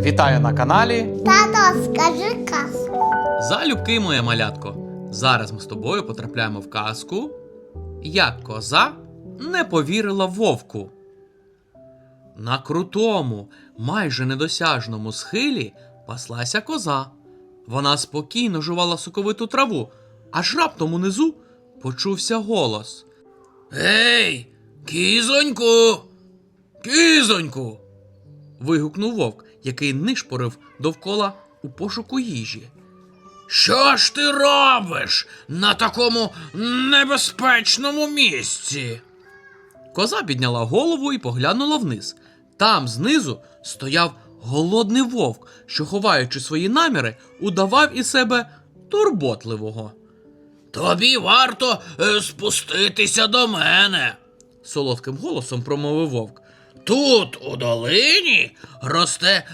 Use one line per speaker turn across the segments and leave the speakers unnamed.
Вітаю на каналі.
Тато, скажи казку.
Залюбки, моє малятко. Зараз ми з тобою потрапляємо в казку, як коза не повірила вовку. На крутому, майже недосяжному схилі паслася коза. Вона спокійно жувала соковиту траву, аж раптом унизу почувся голос. «Ей, кізоньку! Кізоньку!» вигукнув вовк, який нишпорив довкола у пошуку їжі. «Що ж ти робиш на такому небезпечному місці?» Коза підняла голову і поглянула вниз. Там знизу стояв голодний вовк, що, ховаючи свої наміри, удавав із себе турботливого. «Тобі варто спуститися до мене», – солодким голосом промовив вовк. «Тут, у долині, росте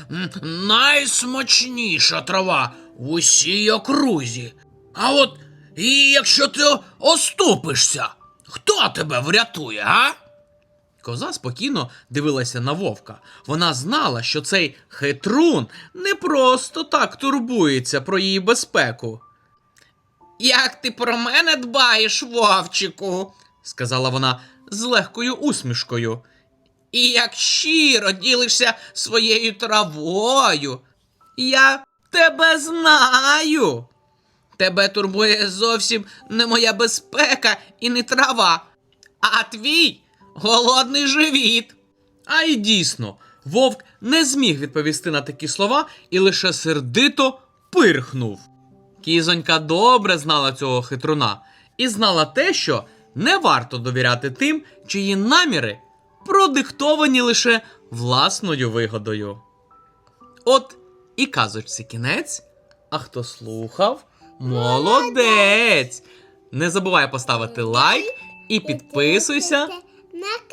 найсмачніша трава в усій окрузі. А от і якщо ти оступишся, хто тебе врятує, а?» Коза спокійно дивилася на вовка. Вона знала, що цей хитрун не просто так турбується про її безпеку. «Як ти про мене дбаєш, вовчику?» – сказала вона з легкою усмішкою. «І як щиро ділишся своєю травою. Я тебе знаю. Тебе турбує зовсім не моя безпека і не трава, а твій голодний живіт». А й дійсно, вовк не зміг відповісти на такі слова і лише сердито пирхнув. Кізонька добре знала цього хитруна і знала те, що не варто довіряти тим, чиї наміри продиктовані лише власною вигодою. От і казочці кінець, а хто слухав – молодець! Не забувай поставити лайк і підписуйся
На